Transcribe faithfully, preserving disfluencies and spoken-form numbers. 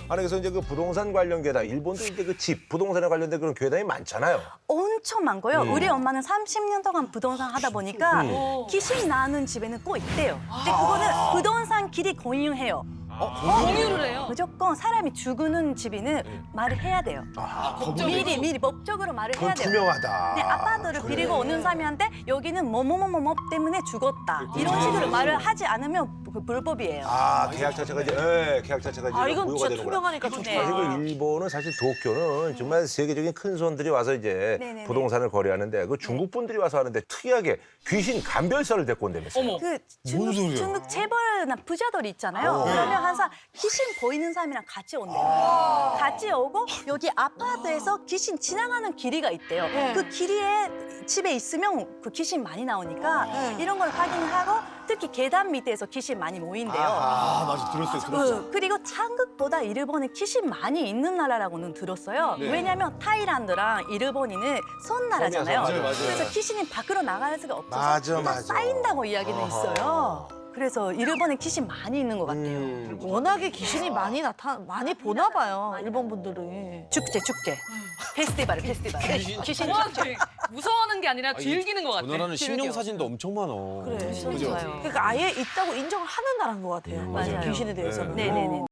아니 그래서 이제 그 부동산 관련 괴담, 일본도 이제 그 집, 부동산에 관련된 그런 괴담이 많잖아요. 엄청 많고요. 음. 우리 엄마는 삼십 년 동안 부동산 하다 보니까 귀신 나는 집에는 꼭 있대요. 근데 그거는 부동산 길이 공유해요. 공유를 해요. 무조건 사람이 죽는 집에는 말을 해야 돼요. 미리 미리 법적으로 말을 해야 그건 돼요. 투명하다. 네, 아파트를 빌리고 오는 사람한테 여기는 뭐뭐뭐뭐 때문에 죽었다. 이런 식으로 말을 하지 않으면 그 불법이에요. 아 계약 자체가 이제, 예, 계약 자체가 이제 아, 이건 무효가 진짜 되는구나. 투명하니까 좋다. 네. 사실 그 일본은 사실 도쿄는 정말 세계적인 큰 손들이 와서 이제 네네네. 부동산을 거래하는데 그 중국 분들이 와서 하는데 특이하게 귀신 감별사를 데리고 온다면서요. 어머. 그 중국, 중국 재벌이나 부자들 있잖아요. 그러면 항상 귀신 보이는 사람이랑 같이 온대요. 같이 오고 여기 아파트에서 귀신 지나가는 길이가 있대요. 그 길이에 집에 있으면 그 귀신 많이 나오니까 이런 걸 확인하고 특히 계단 밑에서 귀신 많이 모인대요. 아, 맞아. 들었어요, 들었어요. 그, 그리고 한국보다 일본에 귀신 많이 있는 나라라고는 들었어요. 왜냐면 타일란드랑 일본이는 선 나라잖아요. 맞아요, 맞아요. 그래서 귀신이 밖으로 나갈 수가 없어서 맞아, 항상 맞아. 쌓인다고 이야기는 있어요. 그래서 일본에 귀신 많이 있는 것 같아요. 음. 워낙에 귀신이 많이 나타 많이 보나 봐요. 일본 분들은. 축제 축제 페스티벌 페스티벌 귀신 와, 축제. 되게 무서워하는 게 아니라 즐기는 것 같아. 저 나라는 즐겨. 심령 사진도 엄청 많아. 그래. 진짜요. 그러니까 아예 있다고 인정을 하는 나라인 것 같아요. 맞아요. 귀신에 대해서는. 네네네.